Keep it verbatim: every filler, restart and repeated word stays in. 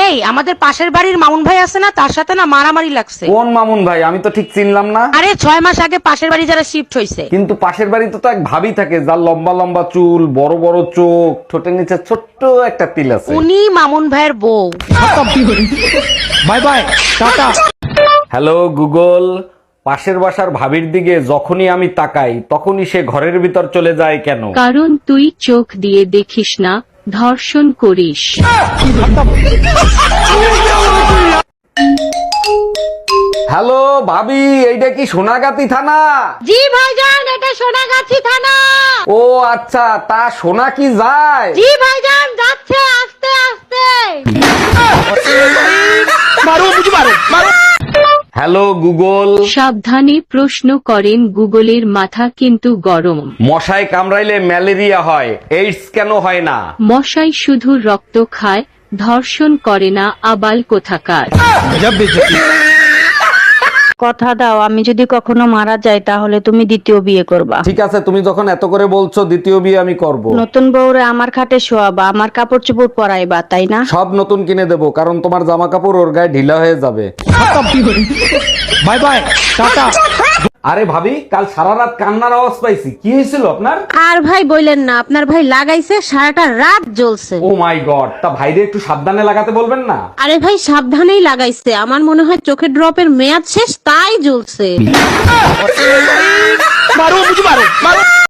এই আমাদের পাশের বাড়ির মামুন ভাই আছে না, তার সাথে না মারামারি লাগছে। কোন মামুন ভাই? আমি তো ঠিক চিনলাম না। আরে ছয় মাস আগে পাশের বাড়ি যারা শিফট হয়েছে। কিন্তু পাশের বাড়িতে তো এক ভাবি থাকে, যার লম্বা লম্বা চুল, বড় বড় চোখ, ঠোঁটের নিচে ছোট্ট একটা তিল আছে। উনি মামুন ভাইয়ের বউ। Bye bye, tata. Hello Google, পাশের বাসার ভাবির দিকে যখনই আমি তাকাই তখনই সে ঘরের ভিতর চলে যায় কেন? কারণ তুই চোখ দিয়ে দেখিস না, ধর্ষণ করিস। হ্যালো ভাবি, এইটা কি সোনাগাতি থানা? জি ভাইজান, এটা সোনাগাছি থানা। ও আচ্ছা, তা সোনা কি যায়? জি ভাইজান, যাচ্ছে আস্তে আস্তে। হ্যালো গুগল, সাবধানে প্রশ্ন করেন, গুগলের মাথা কিন্তু গরম। মশায় কামড়াইলে ম্যালেরিয়া হয়, এইডস কেন হয় না? মশাই শুধু রক্ত খায়, ধর্ষণ করে না, আবাল কোথাকার। কথা দাও, আমি যদি কখনো মারা যাই তাহলে তুমি দ্বিতীয় বিয়ে করবা। ঠিক আছে, তুমি যখন এত করে বলছো, দ্বিতীয় বিয়ে আমি করব। নতুন বউরে আমার খাটে শোয়াবা, আমার কাপড় চোপড় পরাইবা, তাই না? সব নতুন কিনে দেবো, কারণ তোমার জামা কাপড় ওর গায়ে ঢিলা হয়ে যাবে। Bye bye, tata. আরে ভাবি, কাল সারা রাত কান্নার আওয়াজ পাইছি, কি হয়েছিল আপনার? আর ভাই বললেন না, আপনার ভাই লাগাইছে সারাটা রাত জ্বলছে। ও মাই গড, তা ভাইরে একটু সাবধানে লাগাতে বলবেন না? আরে ভাই সাবধানেই লাগাইছে, আমার মনে হয় চোখের ড্রপের মেয়াদ শেষ, তাই জ্বলছে। মারো, বুঝি মারো, মারো।